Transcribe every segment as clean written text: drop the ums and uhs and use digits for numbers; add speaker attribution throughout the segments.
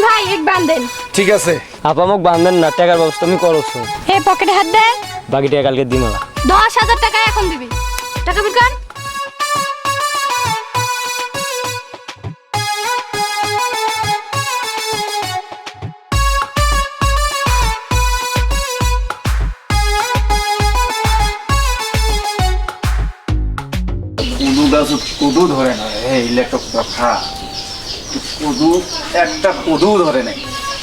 Speaker 1: ভাই এক বান্ধেন।
Speaker 2: ঠিক আছে
Speaker 3: আপা মোক বান্ধেন না, টাকার ব্যবস্থা আমি করছো।
Speaker 1: হে পকেটে হাত দে।
Speaker 3: বাকি টাকা কালকে দিমালা।
Speaker 1: 10,000 টাকা এখন দিবি। টাকা বের কর।
Speaker 2: কুদু গাছ কুদু ধরে না এই একটা কথা, কুদু একটা কুদু ধরে নাই।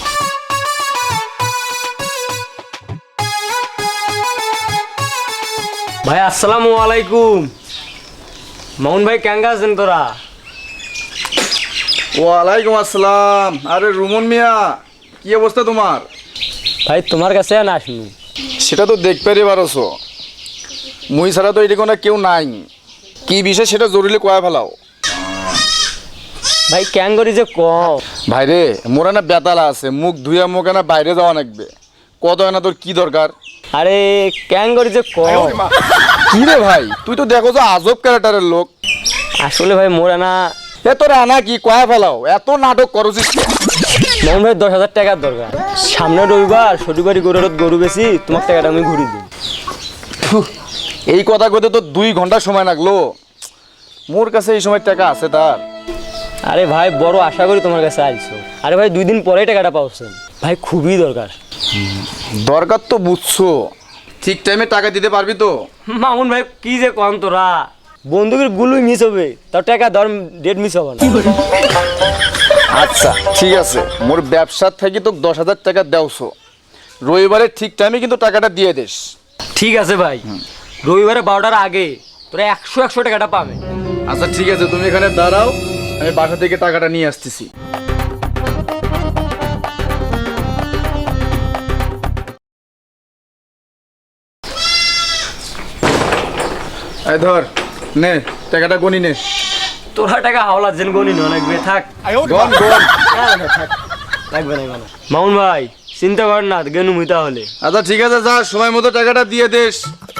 Speaker 3: ভাই আসসালামু আলাইকুম। মামুন ভাই কেঙ্গা আছেন তোরা?
Speaker 2: ওয়ালাইকুম আসসালাম। আরে রুমন মিয়া, কি অবস্থা তোমার?
Speaker 3: ভাই তোমার কাছে না আসনু।
Speaker 2: সেটা তো দেখতে পারছো, মুই ছাড়া তো এটি কোনো কেউ নাই। কি বিষয় সেটা জরুরি কয়া ফেলাও।
Speaker 3: ভাই ক্যাং করি যে ক
Speaker 2: ভাইরে মোরা না বেতালা আছে, মুখ ধুইয়া মুখে না বাইরে যাওয়া লাগবে। কত না তোর কি দরকার?
Speaker 3: আরে ক্যাং করি যে ক
Speaker 2: কি রে ভাই, তুই তো দেখো যে আজব ক্যারেক্টারের লোক।
Speaker 3: আসলে ভাই মোরা না।
Speaker 2: এ তোর আনা কি কয়া ফেলাও, এত নাটক করছিস।
Speaker 3: মামুন ভাই 10,000 টাকার দরকার। সামনে রবিবার শনিবারই গরু বেশি, তোমার টাকাটা আমি ঘুরি দিই।
Speaker 2: এই কথা কইতে তো 2 ঘন্টা সময় লাগলো। মোর কাছে এই সময় টাকা আছে তার?
Speaker 3: আরে ভাই বড় আশা করি তোমার কাছে আইছো। আরে ভাই 2 দিন পরেই টাকাটা পাওছেন। ভাই খুবই দরকার।
Speaker 2: দরকার তো বুঝছো, ঠিক টাইমে টাকা দিতে পারবি তো?
Speaker 3: মামুন ভাই কি যে কম তোরা, বন্দুকের গুলোই মিস হবে, তার টাকা ধর ডেট মিস হবে না।
Speaker 2: আচ্ছা ঠিক আছে, মোর ব্যবসার থেকে তো 10,000 টাকা দেওছো। রবিবারে ঠিক টাইমে কিন্তু টাকাটা দিয়ে দিস।
Speaker 3: ঠিক আছে ভাই, রবিবারে 12টার আগে তোরা 100 টাকাটা পাবে।
Speaker 2: আচ্ছা ঠিক আছে, তুমি এখানে দাঁড়াও, আমি বাসা থেকে টাকাটা নিয়ে আসতেছি। এই ধর, নে টাকাটা গনি নে।
Speaker 3: তোরা টাকা হাওলা জেন গনি না লাগবে, থাক।
Speaker 2: গন গন।
Speaker 3: লাগবে না। মামুন ভাই চিন্তা কর না, গেনু মুই তাহলে।
Speaker 2: আচ্ছা ঠিক আছে, যা সময় মতো টাকাটা দিয়ে দিস।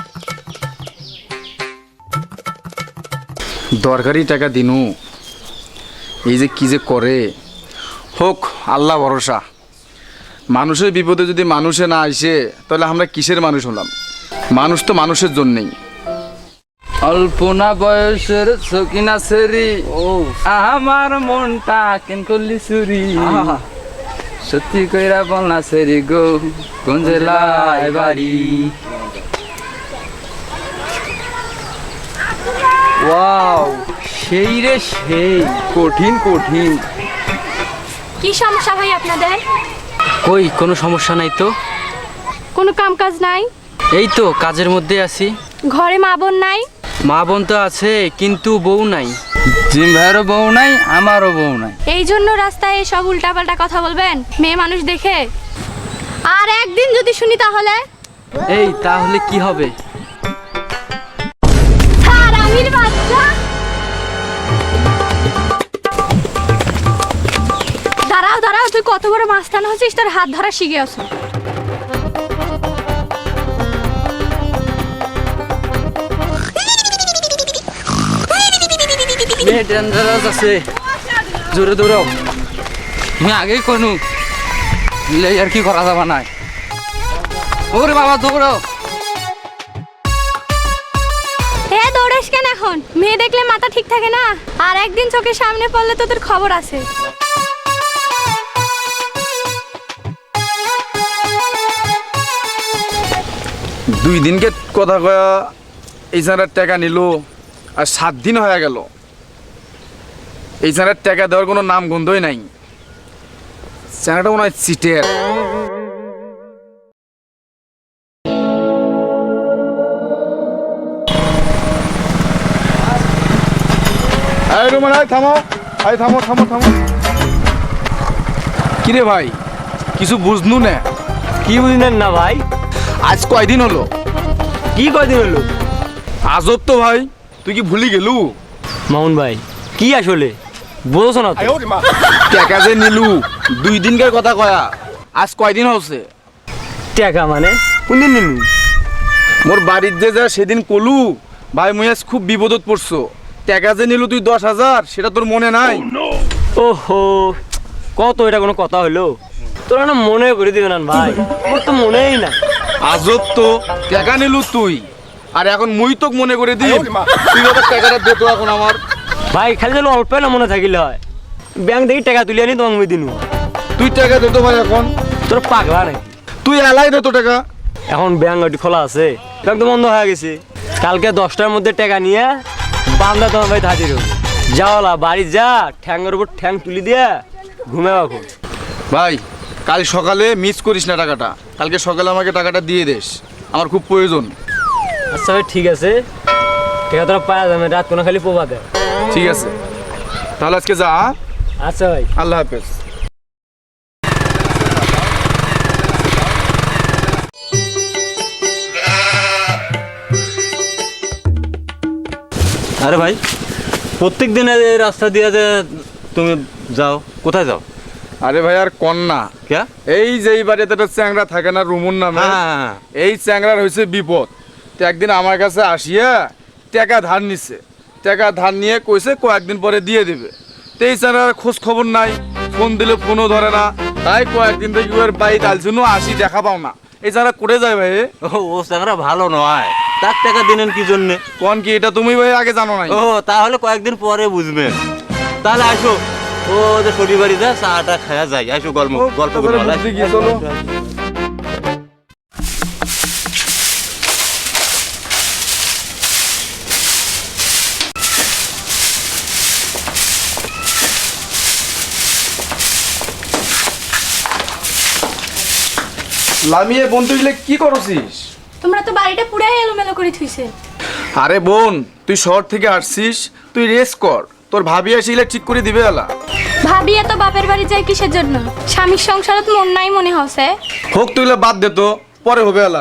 Speaker 2: দরকারি টাকা দিনু, এই যে কি যে করে হোক, আল্লাহ ভরসা। মানুষের বিপদে যদি মানুষে না আসে তাহলে আমরা কিসের মানুষ হলাম? মানুষ তো মানুষের জন্যেই।
Speaker 4: অল্পনা বয়সের সকিনা সেরি, আমার মনটা কেন করলি চুরি। সত্যি কইরা বল না সেরি গো, কোন জেলায় বাড়ি? ওয়াও, সেই রে সেই, কঠিন কঠিন।
Speaker 1: কি সমস্যা ভাই আপনাদের?
Speaker 4: কই কোনো সমস্যা নাই তো।
Speaker 1: কোনো কাম কাজ নাই?
Speaker 4: এই তো কাজের মধ্যে আছি।
Speaker 1: ঘরে মা বোন নাই?
Speaker 4: মা বোন তো আছে, কিন্তু বউ নাই। জিম ভাইয়েরও বউ নাই, আমারও বউ নাই।
Speaker 1: এই জন্য রাস্তায় সব উল্টাপাল্টা কথা বলবেন মেয়ে মানুষ দেখে? আর একদিন যদি শুনি তাহলে?
Speaker 4: এই তাহলে কি হবে?
Speaker 1: হারামির বাচ্চা! দাঁড়াও, তুই কত বড় মাস্তান হচ্ছিস, তোর হাত ধরা শিখে আসো।
Speaker 4: মেয়ে ডেঞ্জারাস আছে, জোরে দৌড়াও। তুমি আগেই কোনো আর কি করা যাবে না। ওরে বাবা দৌড়াও।
Speaker 1: দৌড়াস কেন এখন? মেয়ে দেখলে মাথা ঠিক থাকে না? আর একদিন চোখের সামনে পড়লে তো তোর খবর আছে।
Speaker 2: দুই দিনকে কথা কয়া এই ছাড়ার টাকা নিল, আর 7 দিন হয়ে গেল। এই ছাড়ার টাকা দেওয়ার কোনো নাম গন্ধই নাই। চ্যানেলটা মনে হয় চিটের। থামো। কিরে ভাই, কিছু বুঝনু না?
Speaker 3: কি বুঝলেন না ভাই?
Speaker 2: আজ কয়দিন হলো?
Speaker 3: কি কয়দিন হলো?
Speaker 2: আজব তো ভাই, তুই কি ভুলি গেলু?
Speaker 3: মামুন ভাই কি আসলে বোঝো না তো?
Speaker 2: টাকা যে নিলু 2 দিনকার কথা কয়া, আজ কয়দিন হচ্ছে?
Speaker 3: টাকা মানে কোনদিন নিলু?
Speaker 2: মোর বাড়ির যে যা সেদিন কলু ভাই, মুই আজ খুব বিপদত পড়ছো। টাকা যে নিলু তুই 10,000, সেটা তোর মনে নাই?
Speaker 3: ওহো কত এটা কোনো কথা হইলো? তোরা না মনে করে দিবে না ভাই, আমার তো মনেই না।
Speaker 2: আজব তো, টাকা নিলু তুই, আর এখন মুই তোক মনে করে দিই। তুই বাবা টাকাটা দে তো এখন আমার।
Speaker 3: ভাই খালি যেন অল্প না মনে থাকিলে হয়, ব্যাংক থেকে টাকা তুলে আনি তোমাকে মুই দিনু।
Speaker 2: তুই টাকা দে তো ভাই এখন।
Speaker 3: তোর পাগলা নাকি?
Speaker 2: তুই এলাই দে তো টাকা।
Speaker 3: এখন ব্যাংক ওটি খোলা আছে, ব্যাংক তো বন্ধ হয়ে গেছে। কালকে 10টার মধ্যে টাকা নিয়ে বান্দা তোমার ভাই হাজির হবে। যাওয়ালা বাড়ি যা, ঠ্যাংয়ের উপর ঠ্যাং তুলি দিয়ে ঘুমে এখন।
Speaker 2: ভাই কাল সকালে মিস করিস না টাকাটা, কালকে সকালে আমাকে টাকাটা দিয়ে দিস, আমার খুব প্রয়োজন।
Speaker 3: আচ্ছা ভাই ঠিক আছে, টাকা তোরা পাওয়া যাবে, রাত কোনো খালি পোবা দেয়।
Speaker 2: ঠিক আছে তাহলে আজকে যা।
Speaker 3: আচ্ছা ভাই,
Speaker 2: আল্লাহ হাফেজ।
Speaker 5: আরে ভাই, প্রত্যেক দিন এই রাস্তা দিয়ে যে তুমি যাও, কোথায় যাও?
Speaker 2: আরে ভাই আর কন্যা
Speaker 5: কে?
Speaker 2: এই যে এই বাড়িতে একটা চ্যাংরা থাকে না রুমুর নামে,
Speaker 5: হ্যাঁ।
Speaker 2: এই চ্যাংরার হয়েছে বিপদ। তো একদিন আমার কাছে আসিয়া টাকা ধার নিছে, টাকা ধার নিয়ে কইছে কয়েকদিন পরে দিয়ে দিবে। তো এই চ্যাংরার খোঁজ খবর নাই, ফোন দিলে ফোনও ধরে না, তাই কয়েকদিন থেকে ওর বাড়ি ডালছিল আসি দেখা পাও না। এই চ্যাংরা করে যায় ভাই।
Speaker 5: ও চাংরা ভালো নয়, তার টাকা দিলেন কি জন্যে?
Speaker 2: কোন কি এটা তুমি ভাই আগে জানো নাই?
Speaker 5: ও তাহলে কয়েকদিন পরে বুঝবেন। তাহলে আসো, ও ওদের শরীর বাড়ি যা, চাটা খাওয়া যায়। আসো গল্প গল্প
Speaker 2: তারপরে
Speaker 5: করে
Speaker 2: বুঝতে গিয়ে চলো। লামিয়ে বোন তুই কি করছিস?
Speaker 1: তোমরা তো বাড়িটা পুরাই এলোমেলো করে থুইছে।
Speaker 2: আরে বোন তুই শহর থেকে আসছিস, তুই রেস্ট কর, তোর ভাবি আসিলে ঠিক করে দিবে এলা।
Speaker 1: ভাবি এত বাপের বাড়ি যায় কিসের জন্য? স্বামীর সংসারত মন নাই মনে হচ্ছে।
Speaker 2: হোক তুই বাদ দে তো, পরে হবে এলা।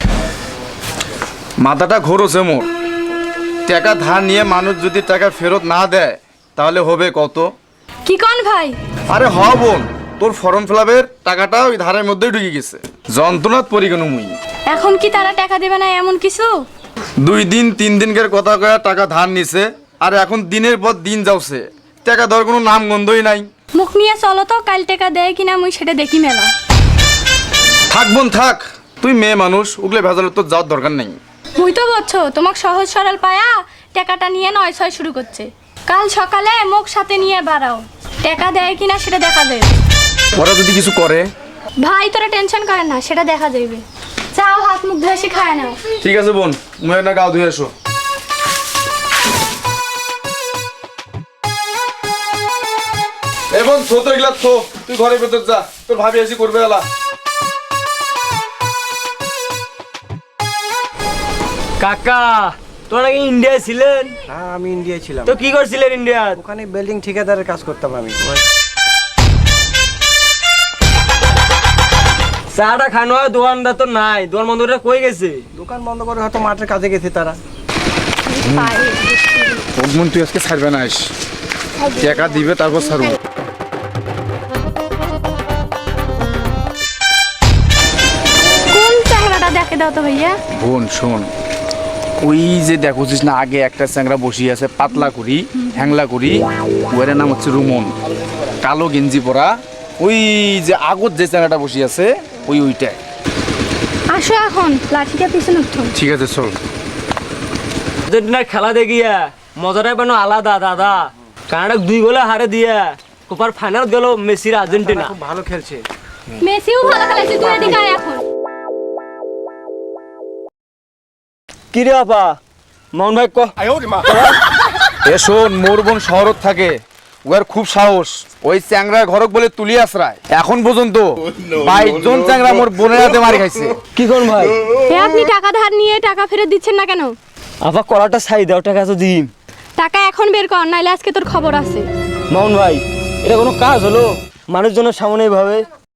Speaker 2: মাথাটা ঘোরছে মোর। টাকা ধার নিয়ে মানুষ যদি টাকা ফেরত না দেয় তাহলে হবে কত?
Speaker 1: কি কন ভাই?
Speaker 2: আরে হ বোন, তোর ফর্ম ফিলাপের টাকাটা ওই ধারের মধ্যেই ঢুকে গেছে। যন্ত্রণাত পরি কেন মুই।
Speaker 1: এখন কি তারা টাকা দেবে না এমন কিছু?
Speaker 2: 2 দিন 3 দিনকার কথা কয়া টাকা ধার নিছে, আর এখন দিনের পর দিন যাচ্ছে, টাকা দেওয়ার কোনো নাম গন্ধই নাই।
Speaker 1: মুখ নিয়ে চলো তো, কাল টাকা দেয় কিনা মুই সেটা দেখি মেলা।
Speaker 2: থাক বোন থাক, তুই মেয়ে মানুষ, ওগুলো ভেজালের তোর যাওয়ার দরকার নেই।
Speaker 1: মুই তো বলছো তোমাক সহজ সরল পায়া টাকাটা নিয়ে নয় ছয় শুরু করছে। কাল সকালে মুখ সাথে নিয়ে বাড়াও, টাকা দেয় কিনা সেটা দেখা যাবে।
Speaker 2: ওরা যদি কিছু করে?
Speaker 1: ভাই তোরা টেনশন করেন না, সেটা দেখা যাবে। যাও হাত মুখ ধুয়ে এসে খায় নাও।
Speaker 2: ঠিক আছে বোন, মুয়ে না গাও ধুয়ে এসো। এবং ছোট এগুলা তো তুই ঘরের ভেতর যা, তোর ভাবি এসে করবে এলা।
Speaker 3: কাকা তোরা নাকি ইন্ডিয়ায় ছিলেন?
Speaker 6: হ্যাঁ আমি ইন্ডিয়ায় ছিলাম।
Speaker 3: তো কি করছিলেন ইন্ডিয়ায়?
Speaker 6: ওখানে বিল্ডিং ঠিকাদারের কাজ করতাম আমি।
Speaker 3: চাটা খানো হয়, দোকানদার তো নাই, দোকান বন্ধুরা কই গেছে?
Speaker 6: দোকান বন্ধ করে হয়তো মাঠের কাজে গেছে তারা।
Speaker 2: বোন তুই আজকে ছাড়বে না, আস টাকা দিবে তারপর ছাড়বো।
Speaker 1: কোন চ্যাংড়াটা দেখে দাও তো ভাইয়া।
Speaker 2: বোন শোন, ওই যে দেখছিস না আগে একটা চ্যাংরা বসিয়ে আছে পাতলা করি হ্যাংলা করি, ওর নাম হচ্ছে রুমন, কালো গেঞ্জি পরা। ওই যে আগত যে চ্যাংরাটা বসিয়ে আছে ওইটাই।
Speaker 1: আসো এখন লাঠিটা পিছনে উঠো।
Speaker 2: ঠিক আছে চল।
Speaker 3: আর্জেন্টিনার খেলা দেখিয়া মজাটাই পানো আলাদা দাদা। কানাডা 2 গোলে হারে দিয়া কোপার ফাইনাল গেল মেসির আর্জেন্টিনা।
Speaker 6: খুব ভালো খেলছে।
Speaker 1: মেসিও ভালো খেলেছে, তুই এদিকে আয় এখন।
Speaker 3: কি রে আপা, মোহন ভাই
Speaker 2: এ শোন, মোর বোন শহরত থাকে, ওর খুব সাহস। ওই চ্যাংরা ঘরক বলে তুলি আশ্রায়, এখন পর্যন্ত 22 জন চ্যাংরা মোর বোনের হাতে মারি খাইছে।
Speaker 3: কি করুন ভাই?
Speaker 1: হে আপনি টাকা ধার নিয়ে টাকা ফেরত দিচ্ছেন না কেন?
Speaker 3: আপা কলাটা ছাই দাও, টাকা তো দিন।
Speaker 1: টাকা এখন বের কর, নাইলে আজকে তোর খবর আছে।
Speaker 3: মোহন ভাই এটা কোনো কাজ হলো? মানুষজনের সামনে এইভাবে?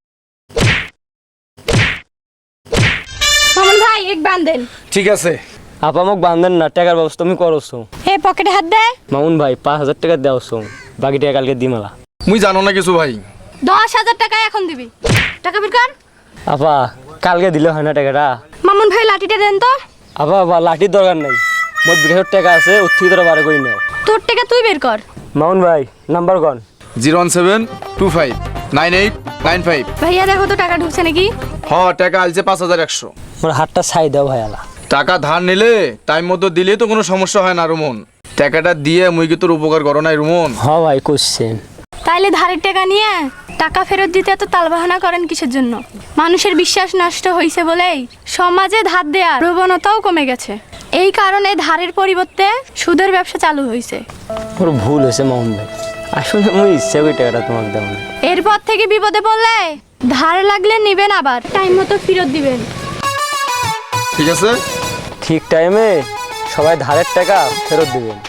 Speaker 1: মামুন ভাই এক বান্ধেন।
Speaker 2: ঠিক আছে
Speaker 3: আপা মোক বান্ধেন না, টাকার ব্যবস্থা তুমি করছো।
Speaker 1: হে পকেটে হাত দে।
Speaker 3: মামুন ভাই 5000 টাকা দেওছো, বাকি টাকা কালকে দিমালা।
Speaker 2: মুই জানো না কিছু ভাই।
Speaker 1: 10,000 টাকা এখন দিবি, টাকা বের কর।
Speaker 3: আপা কালকে দিলে হয় না টাকাটা?
Speaker 1: মামুন ভাই লাঠিটা দেন তো।
Speaker 3: আপা আপা লাঠির দরকার নাই, মোট 2000 টাকা আছে, ওর থেকে তোরা বারে করি নাও।
Speaker 1: তোর টাকা তুই বের কর।
Speaker 3: মামুন ভাই নাম্বার কন।
Speaker 2: 017259895।
Speaker 1: ভাইয়া দেখো তো টাকা ঢুকছে নাকি?
Speaker 2: টাকা আলছে 5100।
Speaker 3: আমার হাতটা ছাই দাও ভাইয়ালা।
Speaker 2: টাকা ধার নিলে টাইম মতো দিলে তো কোনো সমস্যা হয় না রুমন। টাকাটা দিয়ে মুই কি তোর উপকার করো নাই রুমন?
Speaker 3: ভাই করছেন।
Speaker 1: তাইলে ধারের টাকা নিয়ে টাকা ফেরত দিতে এত তালবাহানা করেন কিসের জন্য? মানুষের বিশ্বাস নষ্ট হয়েছে বলেই সমাজে ধার দেওয়ার প্রবণতাও কমে গেছে। এই কারণে ধারের পরিবর্তে সুদের ব্যবসা চালু হয়েছে।
Speaker 3: ওর ভুল হয়েছে মোহন ভাই, আসলে মুই ইচ্ছা করি টাকাটা তোমাকে দেবো না।
Speaker 1: এরপর থেকে বিপদে পড়লে ধার লাগলে নিবেন, আবার টাইম মতো ফেরত দিবেন।
Speaker 2: ঠিক আছে?
Speaker 3: ঠিক টাইমে সবাই ধারের টাকা ফেরত দিবেন।